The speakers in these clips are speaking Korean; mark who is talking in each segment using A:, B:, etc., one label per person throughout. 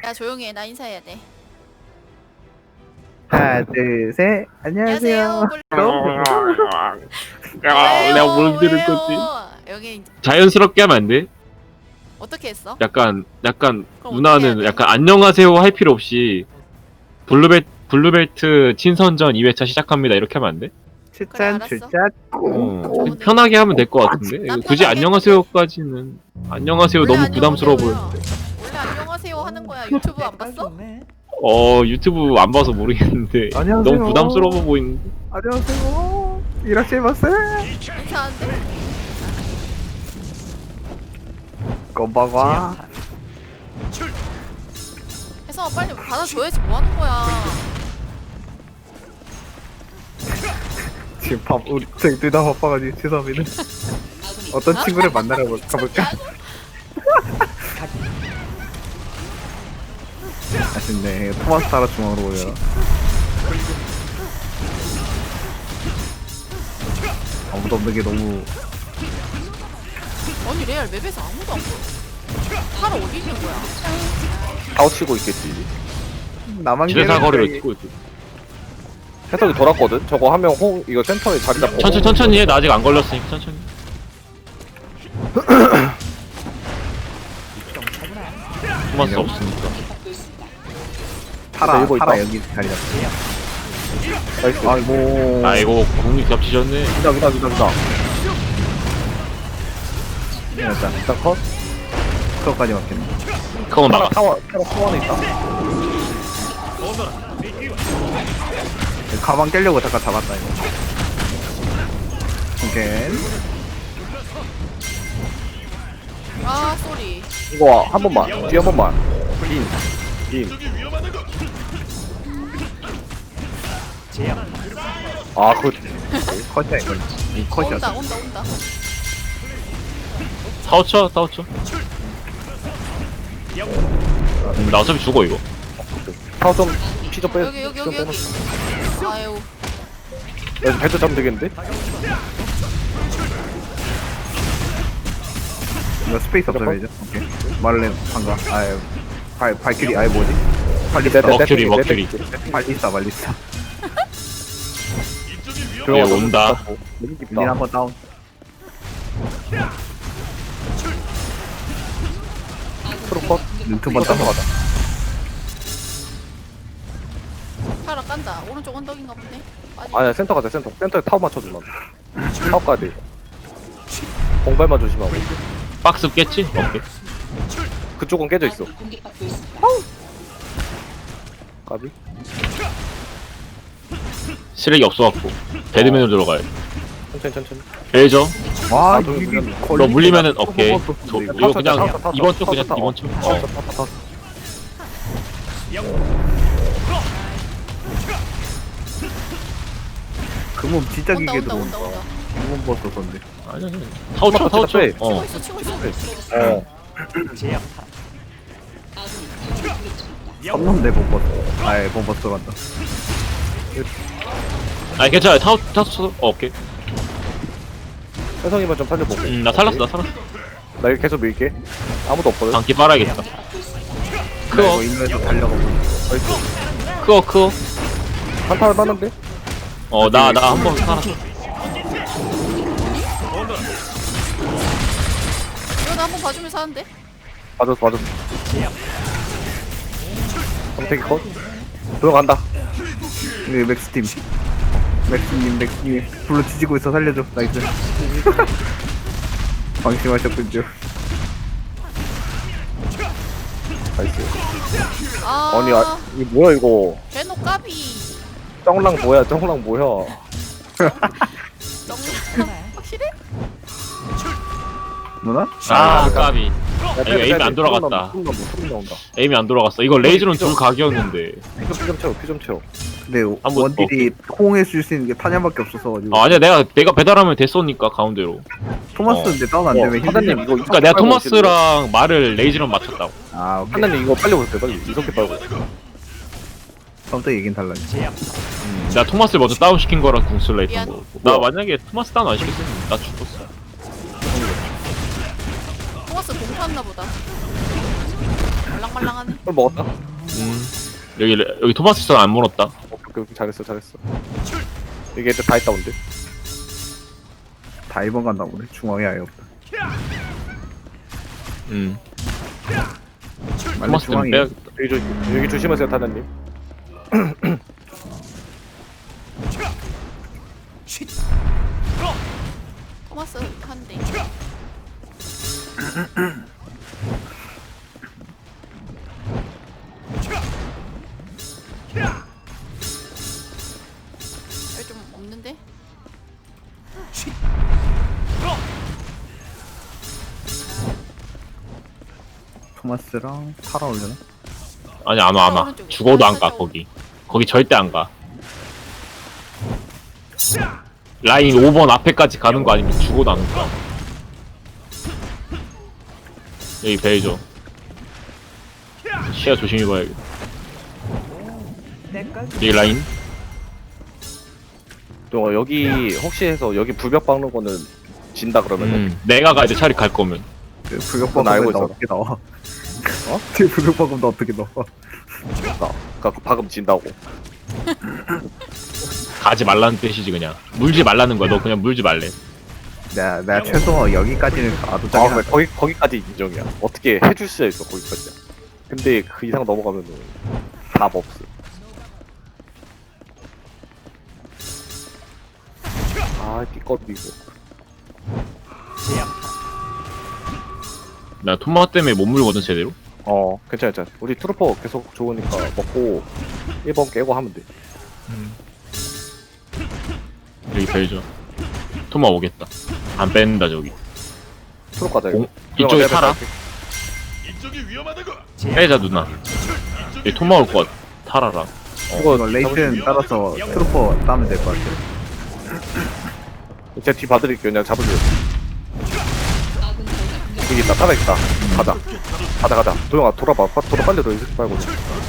A: 야 조용히 해. 나 인사해야 돼.
B: 하나 둘셋 안녕하세요.
C: 야, 내가 뭘 들을 거지?
A: 여기
C: 자연스럽게 하면 안 돼?
A: 어떻게 했어?
C: 약간
A: 그럼
C: 누나는
A: 어떻게 해야 돼?
C: 약간 안녕하세요 할 필요 없이 블루벨트 친선전 2회차 시작합니다 이렇게 하면 안 돼?
A: 그래,
B: 추천
A: 알았어.
B: 출첵
A: 좋은데.
C: 편하게 하면 될 것 같은데?
A: 난
C: 굳이
A: 편하게
C: 안녕하세요까지는 안녕하세요
A: 원래
C: 너무 부담스러워
A: 안녕하세요요.
C: 보여.
A: 원래 안녕하세요 하는 거야. 유튜브 안 봤어?
C: 유튜브 안 봐서 모르겠는데
B: 안녕하세요.
C: 너무 부담스러워 보이는데.
B: 안녕하세요. 이라시마세.
A: 인사하는데?
B: 건방와.
A: 해서 빨리 받아줘야지 뭐 하는 거야.
B: 지금 우리 저희 둘 다 바빠가지고 죄송합니다. 어떤 친구를 만나러 가볼까? 아쉽네. 토마스 타라 중앙으로 올려. 아무도 없는 게 너무.
A: 아니 레알 맵에서 아무도 안 보여. 팔 어디 있는 거야?
D: 아웃치고 있겠지.
B: 나만
C: 지대사 거리로
B: 괴롭게.
C: 찍고 있고.
D: 해석이 돌았거든. 저거 하면 이거 센터에 자리 잡고.
C: 천천히 해. 나 아직 안 걸렸으니까 천천히. 토마스 없으니까.
B: 타라
D: 이거
B: 타라
D: 있다.
B: 여기 자리 잡고.
D: 나이스.
B: 아이고.
C: 아이고 공이 겹치셨네.
D: 기다.
B: 일단 컷. 그거까지 맞겠네.
C: 그건 나가.
D: 타워 안에 있다.
B: 가방 깨려고 잠깐 잡았다 이거. 오케이.
A: 아 쏘리.
D: 이거 한 번만. 뒤 한 번만. 인. 아,
B: 컷이야 이거. 이 컷이야.
A: 온다.
C: 타워쳐. 나 어차피 죽어 이거.
D: 타워 좀 피 좀 빼.
A: 여기. 아유.
D: 여기 배도 잡으면 되겠는데?
B: 이거 스페이스 없어야죠. 오케이. 말렌 방가. 아유. 발키리 아예 뭐지?
C: 머큐리.
B: 발리스타.
C: 예, 온다.
B: 린 한번 다운.
D: 트로컷.
B: 두번 다운.
A: 팔아 깐다. 오른쪽 언덕인가 보네. 빠지.
D: 아니야, 센터 가자, 센터. 센터에 타워 맞춰주면. 타워 가야 돼. 공발만 조심하고.
C: 박스 깼지? 오케이.
D: 그쪽은 깨져 있어. 까비?
C: 쓰레기 없어갖고 배드맨으로 들어가야 돼.
D: 천천히.
C: 베이저.
B: 와,
D: 너
B: 이게
C: 너 물리면은 오케이.
B: 저,
C: 이거 그냥
D: 타워.
C: 이번 쪽 그냥 이번 쪽.
D: 타워.
B: 그몸 진짜
A: 온다.
B: 기계 들어온다. 그몸 버스던데.
C: 아니야. 타워 쳐.
D: 빼.
A: 치고 있어.
B: 섰는데 몸 버스. 아예 몸 버스 간다.
C: 아니 괜찮아. 타워 쳐. 오케이.
D: 혜성이만 좀 살려보고.
C: 나 살았어.
D: 나 이거 계속 밀게. 아무도 없거든.
C: 방귀 빨아야겠다.
B: 이거 인도에서 달려가고.
C: 크어.
D: 한타를 빠는데?
C: 나 한 번 살았어.
A: 이거 나 한번 봐주면 사는데.
D: 맞았어. 검색이 컷. 들어간다.
B: 이거 맥스팀. 맥스님 불러 뒤지고 있어 살려줘. 나이스. 방심하셨군요.
D: 나이스.
A: 아.
D: 아니, 이거 뭐야, 이거.
A: 개노 까비.
D: 쩡랑 뭐야.
A: 정. 확실해?
B: 누나?
C: 까비. 이거 에임이 안 돌아갔다.
D: 소름 나온다.
C: 에임이 안 돌아갔어. 이거 레이즈는 둘 각이었는데.
D: 피 좀 채워.
B: 근데
C: 한번
B: 원딜이 호응해 줄 수 있는 게 타냐밖에 없어서 가지고.
C: 아니야 내가 배달하면 됐으니까 가운데로.
B: 토마스인데 다운 안 되면
D: 하나님, 이거.
C: 그러니까 내가 토마스랑 말을 레이즈랑 맞췄다고.
B: 아 오케이.
D: 하나님, 이거 빨리 오세요, 빨리. 이렇게 빨고.
B: 처음부터 얘긴 달라지.
C: 내가 토마스를 먼저 다운 시킨 거랑 궁슬라 했던
A: 미안.
C: 거. 나 만약에 토마스 다운 안 시켰으면 나 죽었어.
A: 토마스 공 탔나 보다. 말랑말랑하네.
D: 술 먹었다.
C: 여기 토마스 스턴 안 물었다.
D: 오케이, 잘했어. 이게 애들 다 있다 온데.
B: 다 1번 간다고 그래. 중앙에 아예 없다. 빨리
C: 토마스 스턴
B: 중앙에.
C: 빼야.
D: 여기 조심하세요, 타자님.
A: 토마스 한 대. 여기 좀 없는데?
B: 토마스랑 타라 올려나?
C: 아니 안 와.
A: 오른쪽에.
C: 죽어도 안 가
A: 살짝
C: 거기 절대 안 가. 라인 5번 앞에까지 가는 거 아니면 죽어도 안 가. 여기 베이죠. 시야 조심히 봐야겠다. 여기 라인.
D: 저 여기 혹시 해서 여기 불벽 박는 거는 진다 그러면
C: 내가 가야 돼 차라리 갈 거면.
B: 그 불격
D: 그건 알고
B: 박으면 나
D: 있어.
B: 어떻게 나와? 어? 그 불격 박으면 나 어떻게 나와?
D: 그 박음 진다고.
C: 가지 말라는 뜻이지 그냥. 물지 말라는 거야. 너 그냥 물지 말래.
B: 내가 최소 여기까지는 가도
D: 아,
B: 되긴
D: 왜
B: 한데.
D: 거기까지 인정이야. 어떻게 해줄 수야 있어 거기까지야. 근데 그 이상 넘어가면은 답 없어. 아, 띠꺼도 이거.
C: 나 토마 때문에 못 물거든 제대로.
D: 괜찮아. 우리 트루퍼 계속 좋으니까 먹고 1번 깨고 하면 돼.
C: 여기 베이죠. 토마 오겠다. 안 뺀다 저기.
D: 트루퍼 가자 이거.
C: 이쪽에 살아. 빼자 누나. 여기 토마 올 것 같아. 타라라.
B: 이거 레이튼 따라서 트루퍼 따면 될 것 같아.
D: 제가 뒤 봐드릴게요. 그냥 잡으세요. 여기 있다. 살아있다. 가자. 도영아 돌아 빨리 너 이렇게 빨고.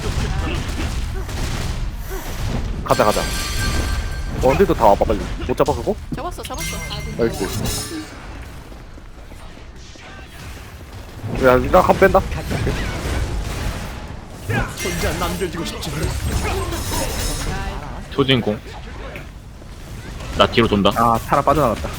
D: 가자. 언제도 다 와봐 빨리. 못 잡아 그거?
A: 잡았어.
D: 나이스. 야, 나 한 뺀다.
C: 초진공. 나 뒤로 돈다.
B: 아 타라 빠져나갔다.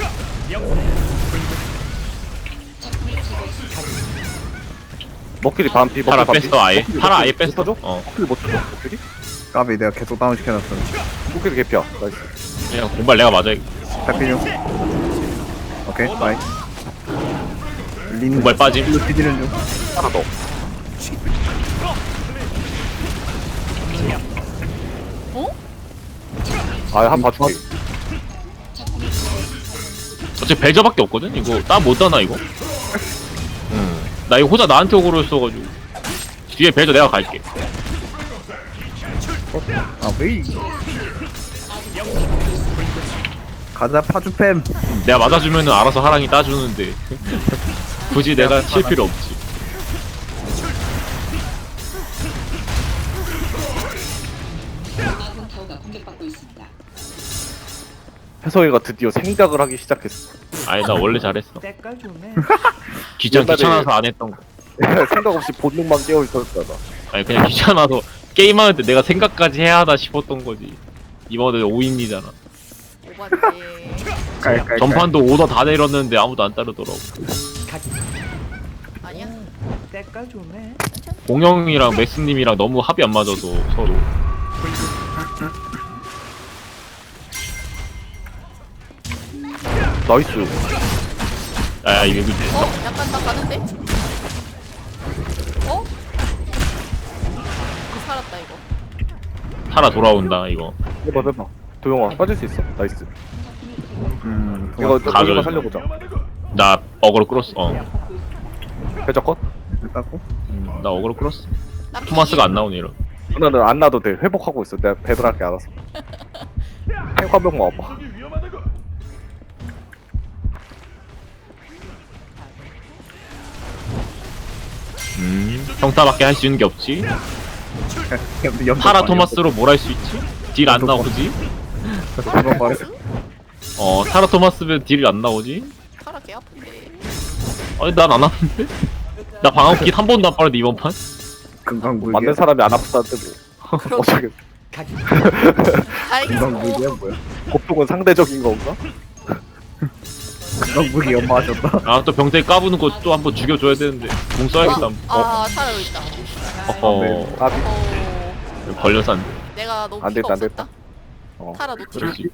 D: 먹길이 반피.
C: 타라 뺐어 아예. 타라 아예 뺐어.
D: 줘?
C: 어.
D: 먹길이 못 쳐줘. 먹길이?
B: 까비 내가 계속 다운 시켜놨어.
D: 먹길이 개피야. 나이스.
C: 그냥 공발 내가 맞아.
B: 잡히죠? 오케이 바이. 린
C: 공발 빠짐.
B: 일로 뒤지는 중.
D: 하나 더.
A: 어?
D: 한 봐줄게.
C: 어차피 벨저밖에 없거든? 이거 따 못 따나 이거? 나 이거 호자 나한테 오그로 써가지고 뒤에 벨저 내가 갈게.
B: 아 왜? 가자 파주팸.
C: 내가 맞아주면은 알아서 하랑이 따주는데 굳이 내가 칠 필요 없지.
E: 아군 타워가 공격받고 있습니다.
D: 혜성이가 드디어 생각을 하기 시작했어.
C: 아니 나 원래 잘했어.
F: 때깔 좋네.
C: 귀찮아서 안 했던 거.
D: 생각 없이 본능만 깨어 있었잖아.
C: 아니 그냥 귀찮아서 게임하는데 내가 생각까지 해야 하나 싶었던 거지. 이번에 5인이잖아.
A: 오반데.
B: 깔깔깔.
C: 전판도 오더 다 내렸는데 아무도 안 따르더라고.
A: 아니야?
F: 때깔 좋네.
C: 공영이랑 맥스님이랑 너무 합이 안 맞아서 서로.
D: 나이스.
C: 야 이거
A: 약간 나 가는데? 어? 살았다 이거.
C: 타라 돌아온다 이거.
D: 해봐. 도영아 빠질 수 있어. 나이스. 이거
C: 가져.
D: 도영아 살려보자.
C: 나 어그로 끌었어.
D: 배저 컷?
B: 땄고.
C: 나 어그로 끌었어.
A: 나
C: 토마스가 안 나오네 이런.
D: 누나는 안 놔도 돼. 회복하고 있어. 내가 배달할게 알아서. 탱크 한 명만 와봐.
C: 평타밖에 할 수 있는 게 없지. 타라 토마스로 뭘 할 수 있지? 딜 안 나오지?
B: 이번 말해.
C: 타라 토마스면 딜이 안 나오지?
A: 타라 개 아픈데.
C: 아니 난 안 하는데? 나 방어킷 한 번도 안 빠는데 이번 판?
B: 금강불개.
D: 맞는 사람이 안 아프다는데 뭐. 어차피
A: 다행이고.
B: 금강불개야 뭐야?
D: 고통은 상대적인 건가?
B: 금강불개 연마하셨다.
C: 아 또 병태 까부는 거 또 한번 죽여줘야 되는데 공 써야겠다.
A: 사라져 있다.
C: 어허
D: 까비.
C: 걸려서 안 돼.
A: 내가 너무
D: 안
A: 피가
D: 됐다, 안
A: 없었다.
D: 어.
A: 타라 노티.
C: 그렇지.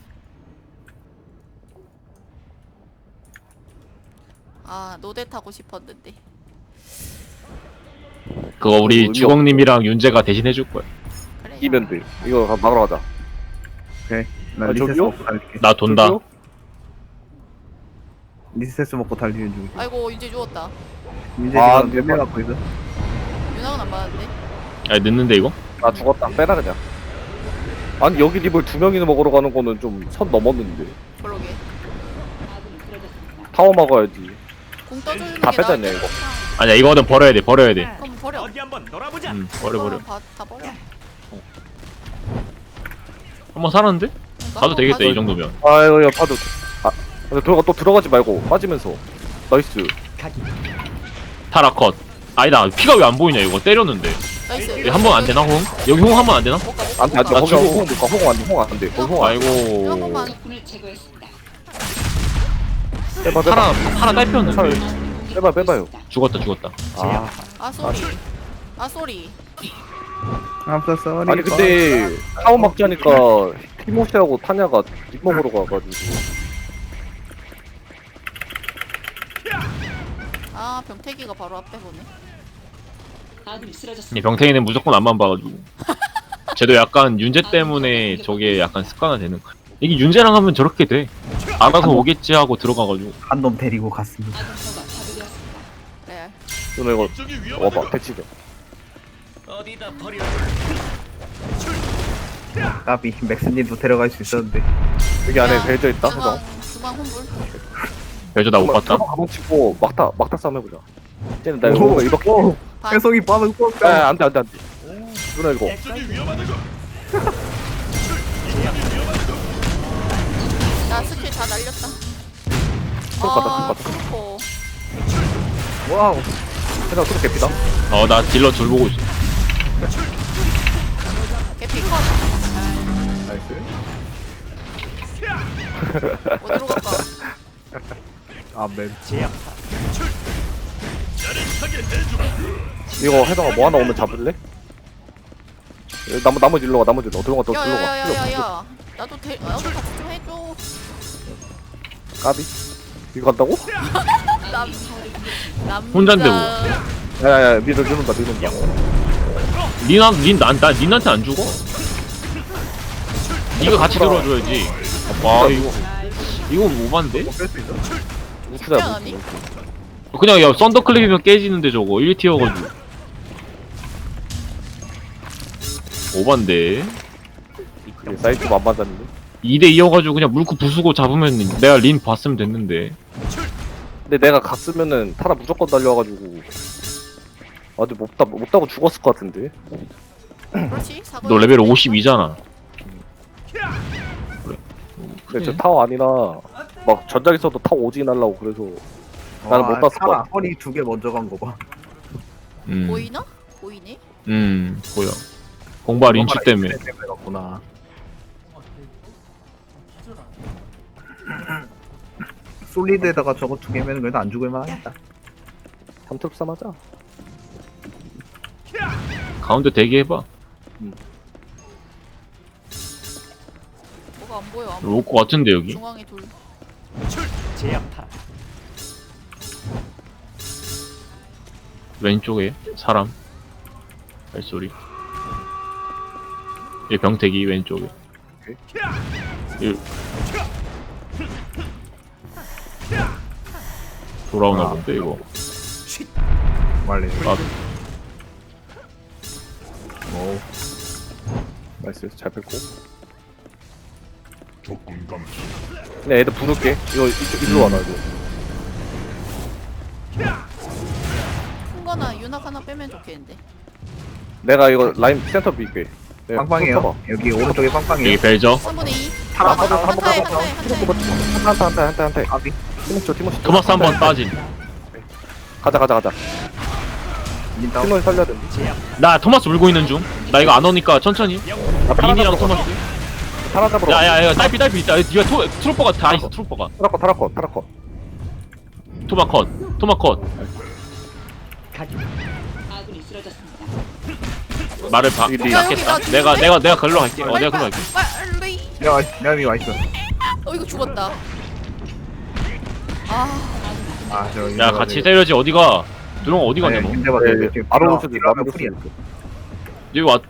A: 노대 타고 싶었는데.
C: 그거 우리
D: 의미
C: 주공님이랑 윤재가 대신 해줄 거야.
A: 그래.
D: 이면 돼. 이거 막으러 가자.
B: 오케이. 나
D: 아,
B: 리세스
D: 저기요?
B: 먹고 달릴게.
C: 나 돈다.
D: 저기요?
B: 리세스 먹고 달리는 중.
A: 아이고 이제 죽었다.
B: 민재
D: 아,
B: 지금 몇명 갖고 있어?
A: 윤학은 안 받았는데.
C: 아 늦는데 이거?
D: 나 죽었다. 빼라 그냥. 아니 여기 립을 2명이나 먹으러 가는 거는 좀 선 넘었는데.
A: 그러게.
D: 타워 먹어야지.
A: 공 떠주는
D: 다
A: 게
D: 뺐잖냐,
A: 나을 듯.
D: 이거.
C: 아니야 이거는 버려야 돼. 버려야 돼.
A: 그럼 버려.
F: 한번 놀아보자.
C: 버려.
A: 다 버려.
C: 한번 살았는데?
A: 그러니까
C: 가도 되겠다
A: 가자.
C: 이 정도면.
D: 아이고 야 파도. 근데 또 들어가지 말고 빠지면서. 나이스.
C: 타라 컷. 아니다 피가 왜 안 보이냐 이거 때렸는데.
A: 나이스.
C: 한 번 안 되나 홍? 여기 홍 한 번 안 되나?
A: 못 가, 못 가,
D: 안돼 안돼
A: 못 가.
C: 나
D: 거기
C: 죽어.
D: 홍 못 가. 홍 안돼 홍 안돼. 거기 홍 안돼.
A: 한
C: 아이고.
A: 번만.
D: 빼봐
C: 타라
D: 빼봐.
C: 타라 딸폈는데.
D: 빼봐요.
C: 죽었다.
D: 아
A: 소리.
B: I'm so sorry.
D: 아니 근데 타워 막자니까 티모시하고 타냐가 뒷먹으로 가가지고.
A: 병태기가 바로 앞에 보네.
C: 이 병태이는 무조건 앞만 봐가지고. 쟤도 약간 윤재 때문에 저게 약간 습관화되는 거야. 이게 윤재랑 하면 저렇게 돼. 알아서 오겠지 하고 들어가가지고.
B: 한 놈 데리고 갔습니다.
A: 그래.
D: 누나 이거 와봐 대치돼.
F: 어디다 버려.
B: 까비 맥스님도 데려갈 수 있었는데.
D: 여기 안에 배져 있다. 해서.
A: 중앙 혼불.
C: 별저 나 못 봤다.
D: 가방 치고 막타 싸움 해보자. 쟤는 나
B: 오,
D: 이렇게.
B: 오,
A: 반.
B: 해석이 빠르고.
D: 아 안돼. 누나 이거.
A: 나 스킬 다 날렸다.
D: 똑같다.
A: 트루퍼.
B: 와우.
D: 해서 또 개피다.
C: 나 딜러 둘 보고 있어.
A: 개피 컷.
D: 나이스.
A: 어디로 갈까?
B: 아맨.
D: 이거 해성아 뭐 하나 오면 잡을래? 나머지 일로 가. 나머지 일로 들어가.
A: 야야야야야. 나도 같이 좀 해줘.
D: 까비. 이거 간다고?
A: 남.
C: 혼잔데 뭐.
D: 야야야 믿는다.
C: 닌한테 안 죽어? 니가 같이 들어줘야지. 와 이거 오반데?
B: 뺄수 있어.
D: 우추다.
A: 아니?
C: 그냥 야 썬더클립이면 깨지는데 저거 1티어가지고 오반데.
D: 사이트 안 맞았는데.
C: 2대2여가지고 그냥 물고 부수고 잡으면 내가 린 봤으면 됐는데.
D: 근데 내가 갔으면은 타라 무조건 달려와가지고. 아주 못 따고 죽었을 것 같은데.
A: 그렇지. 사고.
C: 너 레벨 52잖아.
D: 근데 저 타워 아니라 막 전작에서도 타워 오지 날라고 그래서 나는 못 봤을 것
B: 사라
D: 같아.
B: 허리 2개 먼저 간 거 봐.
A: 보이나? 보이네.
C: 보여. 공발 인치 때문에.
B: 갔구나. 솔리드에다가 저거 2개면 그래도 안 죽을 만하겠다.
D: 3톱 하자.
C: 가운데 대기해봐.
A: 뭐가 안 보여. 안 보여.
C: 올 것 같은데 여기.
A: 중앙에 둘.
F: 제압타.
C: 왼쪽에 사람. 발소리. 이 병태기 왼쪽에. 돌아오나 본데 이거.
B: 말래.
C: 아,
B: 오.
D: 나이스 잘 뺐고. 그냥 애들 부를게. 이거 일로 와라 이거.
A: 큰 거나 윤학 하나 빼면 좋겠는데.
D: 내가 이거 라인 센터 빌게. 내가
B: 빵빵해요.
D: 쳐봐.
B: 여기 오른쪽에 빵빵해요.
C: 여기 벨저.
A: 3분의 2.
B: 타라,
A: 한타에
B: 타라,
A: 한타에
B: 타라,
A: 한타에.
D: 한타.
B: 까비.
D: 티모시.
C: 토마스 한 번 빠진.
D: 가자.
B: 린 다운.
D: 팀을 살려야 된다.
C: 나 토마스 물고 있는 중. 나 이거 안 오니까 천천히.
D: 나 타라
C: 린이랑
D: 잡으러
C: 토마스.
D: 타라 잡으러.
C: 야야야 딸피 있다. 니가 트루퍼가 다 있어 트루퍼가.
D: 타라컷.
C: 토마컷.
E: 아군이 쓰러졌습니다.
C: 말을
A: 야, 여기
C: 낫겠다.
A: 나
C: 내가 걸러 갈게. 내가 걸러 갈게.
A: 빨리.
B: 내가 이미 와있어.
A: 이거 죽었다.
C: 야 같이 때려지 어디가? 누렁아 어디 갔냐 너?
B: 윤재 봐줘.
D: 네,
B: 지금
D: 바로
B: 딜러-
D: 올 수도 있고,
B: 딜러하면
D: 바로 올
B: 풀이야.
D: 수도 있고.
C: 여기 와.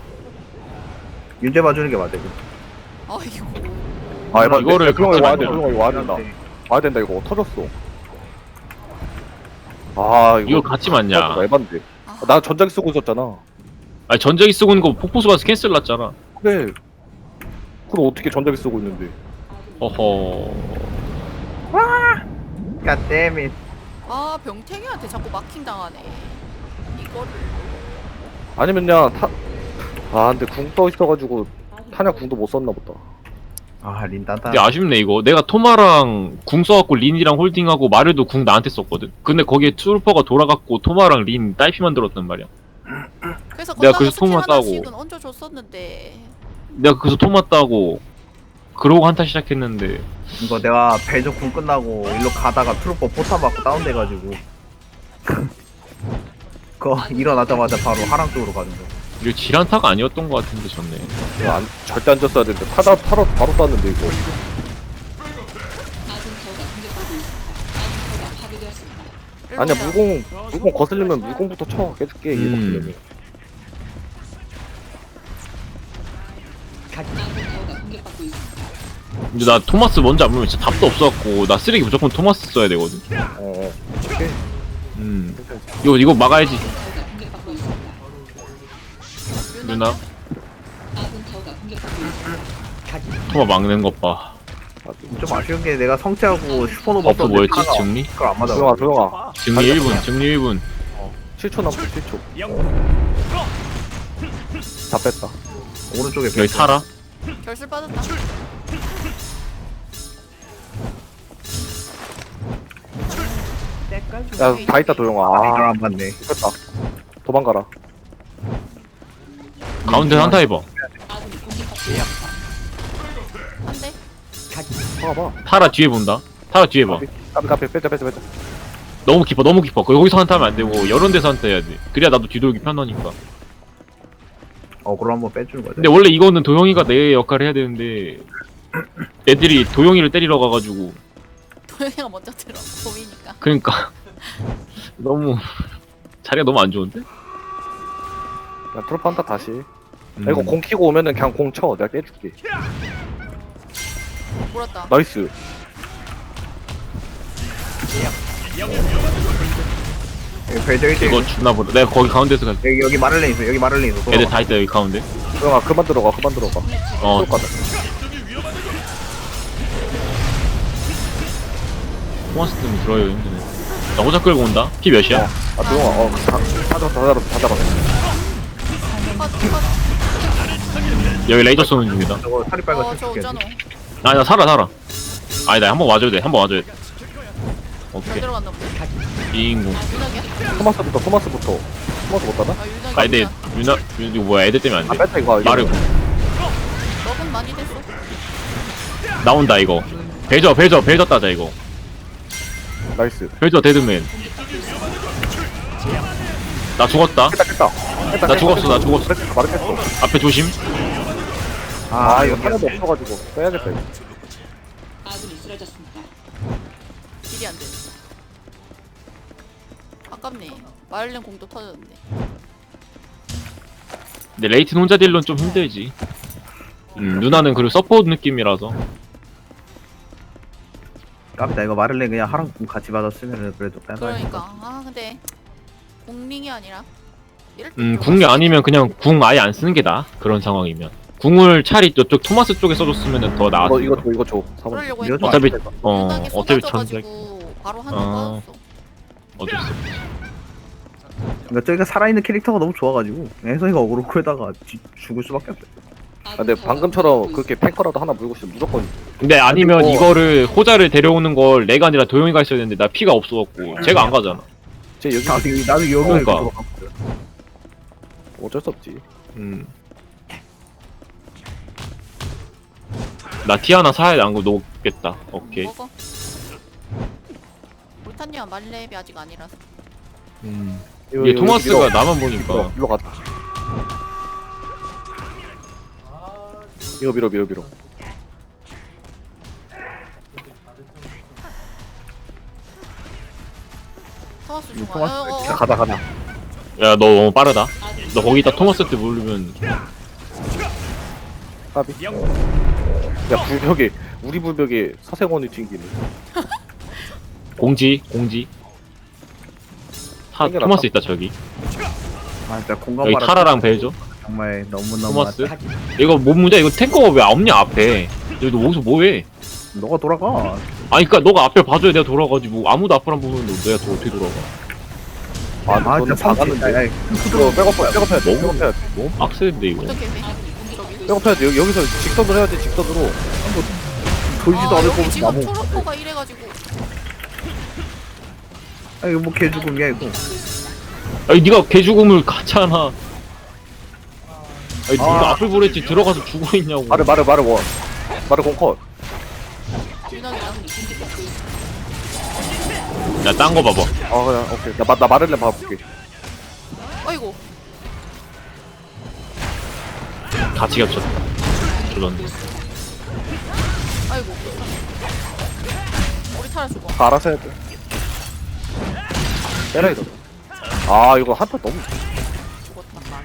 B: 윤재 봐주는 게 맞아. 이거.
A: 아이고.
D: 아 에바
C: 이거를
D: 조용히 와야 돼.
C: 같이
D: 조용히 와야 된다. 와야 된다 이거 터졌어. 아
C: 이거 같이 맞냐?
D: 에반데. 나 전자기 쓰고 있었잖아.
C: 아니 전자기 쓰고 있는 거 폭포수 가서 캔슬 났잖아.
D: 그래. 그럼 어떻게 전자기 쓰고 있는데?
C: 허허.
B: God damn it.
A: 아 병태기한테 자꾸 마킹 당하네. 이거를.
D: 아니면 그냥 근데 궁 떠 있어가지고 타냐 궁도 못 썼나 보다.
B: 린 단단.
C: 근데 아쉽네 이거. 내가 토마랑 궁 써갖고 린이랑 홀딩하고 마르도 궁 나한테 썼거든. 근데 거기에 트루퍼가 돌아갔고 토마랑 린 딸피 만들었단 말이야.
A: 그래서
C: 내가
A: 건너서
C: 그래서
A: 스킬
C: 토마 따고.
A: 하나씩은 얹어줬었는데.
C: 내가 그래서 토마 따고 그러고 한타 시작했는데
B: 이거 내가 벨저 궁 끝나고 일로 가다가 트루퍼 포탑 맞고 다운돼가지고 그거 일어나자마자 바로 하랑 쪽으로 가는 거.
C: 이거 질한타가 아니었던 것 같은데 졌네.
D: 이거 절대 안 졌어야 되는데 타다 바로 땄는데 이거.
E: 아군 타워가 공격받고 있습니다. 아군 타워가 파괴되었습니다.
A: 일로
D: 아니야
A: 오면.
D: 물공 거슬리면 물공부터 쳐 깨줄게 이거 거슬리면.
E: 아군 타워가 공격받고 있습니다.
C: 근데 나 토마스 먼저 안 보면 진짜 답도 없어갖고 나 쓰레기 무조건 토마스 써야 되거든.
D: 오케이.
C: 이거 막아야지.
E: 아군 타워가 공격받고 있습니다.
C: 누나
E: 아군 타워가 공격받고 있습니다.
C: 토마 막는 것 봐.
B: 좀 아쉬운 게 내가 성체하고 슈퍼노바
C: 버프 뭐였지? 증리?
B: 그걸 안 맞아.
D: 조용아.
C: 증리 1분. 증리 1분.
D: 7초 남았어 7초. 다 뺐다.
B: 오른쪽에
C: 여기 타라.
A: 결실 빠졌다.
D: 야 다 있다 도영아.
B: 이걸 안 맞네.
D: 뺐다. 도망가라.
C: 가운데 한타 해봐.
E: 아군이 공격받고 있습니다.
A: 한 대.
D: 봐봐.
C: 타라 뒤에 본다. 타라 뒤에 봐.
D: 까비 빼자.
C: 너무 깊어. 거기서 한타하면 안 되고 여러 데서 한타 해야 돼. 그래야 나도 뒤돌기 편하니까.
B: 그걸 한번 빼주는 거야.
C: 근데 원래 이거는 도영이가 내 역할을 해야 되는데 애들이 도영이를 때리러 가가지고
A: 도영이가 먼저 들어. 봄이니까.
C: 그러니까 너무 자리가 너무 안 좋은데?
D: 야 트로프 한다 다시. 야, 이거
C: 음.
D: 공 키고 오면은 그냥 공 쳐. 내가 깨줄게.
A: 물었다.
D: 나이스.
B: 벨저 1대
C: 이거 주나 보다. 내가 거기 가운데서 갈게.
B: 여기 마를렌 있어. 여기 마를렌 있어.
C: 애들 다 있다 여기 가운데.
D: 도영아 그만 들어가.
C: 어.
D: 가자.
C: 토마스 때문에 들어요 힘드네. 나 호자 끌고 온다. 피 몇이야?
D: 도영아 다 잡았어.
A: 컷.
C: 여기 레이저 쏘는 중이다.
B: 저거 살이 빨간
A: 저
B: 춤
A: 오잖아.
C: 아니 나 살아. 아니 나 한번 와줘야 돼.
A: 잘
C: 오케이.
A: 들어갔나 보네.
C: 이인공.
A: 유낙이야?
D: 토마스부터. 토마스 못 따나?
A: 유낙이.
C: 아 애들 이거 뭐야 애들 때문에 안 돼.
D: 뺐다 이거.
C: 마르고
A: 먹은 많이 됐어.
C: 나온다 이거. 벨저 따자 이거.
D: 나이스.
C: 벨저 데드맨. 나 죽었다.
D: 깼다.
C: 나 죽었어.
D: 말했겠어.
C: 앞에 조심.
D: 이거 하나도 없어가지고 빼야겠다 이거.
E: 아군이 쓰러졌습니다.
A: 딜이 안 돼. 아깝네. 마를렌 공도 터졌는데.
C: 근데 레이튼 혼자 딜론 좀 힘들지. 누나는 그리고 서포트 느낌이라서.
B: 깝이다. 이거 마를렌 그냥 하랑 궁 같이 받았으면 그래도 빼봐.
A: 그러니까. 근데 공링이 아니라. 이럴 때
C: 궁이 아니면 그냥 궁 아예 안 쓰는 게 나아. 그런 상황이면. 궁을 차라리 저쪽 토마스 쪽에 써줬으면 더 나았어.
D: 이거 줘.
A: 그러려고
B: 이거
A: 했는데.
C: 어차피
A: 유낙이
C: 어차피
A: 쏟아져가지고 바로 한대
C: 어.
A: 빠졌어.
C: 어쩔 수 없지.
B: 그러니까 저기가 살아있는 캐릭터가 너무 좋아가지고 혜성이가 어그로 끌다가 죽을 수밖에 없어.
D: 근데 방금처럼 그렇게 탱커라도 하나 물고 있으면 무조건.
C: 근데 아니면
B: 그리고-
C: 이거를 호자를 데려오는 걸 내가 아니라 도영이가 있어야 되는데 나 피가 없어갖고 제가 안 가잖아.
D: 쟤 여기
B: 나도 여기
C: 그러니까.
B: 들어갔거든.
D: 어쩔 수 없지.
C: 나 티 하나 사야 돼. 안 그러면 녹겠다. 오케이.
A: 먹어. 볼탄이야 말렙이 아직 아니라서.
C: 이게 토마스가 나만 보니까.
D: 일로 가자. 이거 밀어.
A: 토마스 좋아.
B: 토마스
D: 가자.
C: 야, 너 너무 빠르다. 너 거기다 토마스 때 모르면
D: 까비. 야 불벽에 우리 불벽에 서생원이 튕기네.
C: 공지.
D: 땡겨라,
C: 토마스 있다 저기.
B: 아 진짜 공감
C: 여기
B: 받아.
C: 타라랑 벨죠.
B: 정말 너무너무.
C: 토마스. 이거 뭐 문제? 이거 탱커가 왜 없냐 앞에? 여기 너 거기서 뭐해?
B: 너가 돌아가.
C: 아니 그니까 너가 앞에 봐줘야 내가 돌아가지고 아무도 앞을 안 보면 내가 또 어떻게 돌아가?
D: 아
B: 아
D: 너는
B: 진짜
D: 작았는데.
B: 상관인데.
D: 이거 백업해야 돼.
C: 너무 빡세는데 이거.
A: 어떻게 해?
D: 백업해야 돼. 여기서 직선으로 해야지 직선으로.
B: 돌지도 않을
A: 여기
B: 거면서
A: 지금
B: 나무.
A: 트로퍼가 이래가지고.
B: 아 이거 뭐 개죽음이야 이거.
C: 아니 네가 개죽음을 가잖아. 아니 네가 앞을 보랬지 들어가서 죽어 있냐고.
D: 말을 원. 말을 공컷.
A: 유난이다.
C: 야 딴 거 봐봐.
D: 아 그냥 오케이. 나 말을래 봐볼게.
A: 아이고.
C: 같이 겹쳤다. 저런데.
A: 아이고. 우리 타라 죽어.
D: 다 알아서 해야 돼. 때려 이거. 아 이거 한타 너무
A: 죽었다.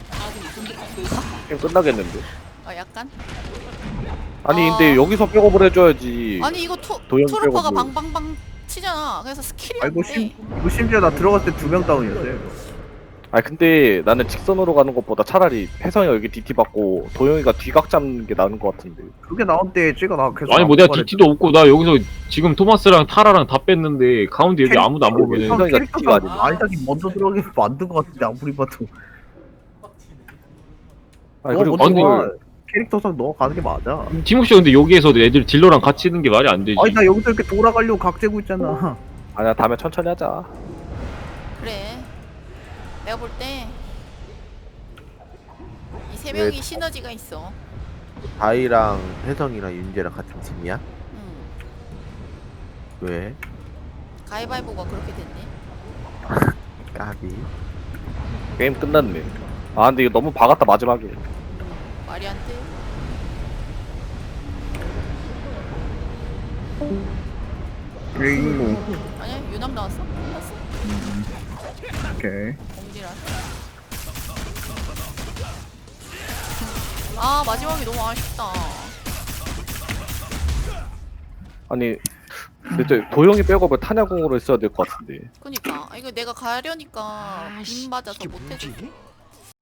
D: 게임 끝나겠는데.
A: 아 약간?
D: 아니 근데 여기서 백업을 해줘야지.
A: 아니 이거
D: 도형
A: 트로퍼가
D: 빼고 뭐.
A: 방방방 치잖아. 그래서 스킬이
B: 아
A: 안
B: 이거
A: 돼.
B: 이거 심지어 나 들어갔을 때 2명 다운이었어요.
D: 아니 근데 나는 직선으로 가는 것보다 차라리 혜성이가 여기 DT 받고 도영이가 뒤각 잡는 게 나은 것 같은데.
B: 그게 나온 때 쟤가 나 계속.
C: 아니 뭐 내가
B: 말했-
C: DT도 없고 나 여기서 지금 토마스랑 타라랑 다 뺐는데 가운데 여기 아무도 안 보면은
B: 형
D: 혜성이가
B: 캐릭터가
D: DT가 아니야.
B: 아이작이 먼저 들어가게 만든 것 같은데 아무리 봐도.
D: 아니
B: 너
D: 그리고
B: 먼저
C: 아니,
B: 가. 캐릭터상 너가 가는 게 맞아.
C: 티모시 근데 여기에서 애들 딜러랑 같이 있는 게 말이 안 되지.
B: 아니 나 여기서 이렇게 돌아가려고 각 재고 있잖아.
D: 아니야 다음에 천천히 하자.
A: 그래. 내가 볼 때 이 세 명이 시너지가 있어.
G: 다이랑 혜성이랑 윤재랑 같은 팀이야? 왜?
A: 가위바위보가 그렇게 됐네.
G: 까비.
D: 게임 끝났네. 아 근데 이거 너무 박았다 마지막에.
A: 말이 안 돼.
B: 링.
A: 아니야 유남 나왔어? 나왔어.
B: 오케이.
A: 공지라. 아 마지막이 너무 아쉽다.
D: 아니 근데 도영이 백업을 탄야공으로 했어야 될 것 같은데.
A: 그니까 이거 내가 가려니까 빔 맞아서
F: 이게
A: 못해줘.
F: 뭐지?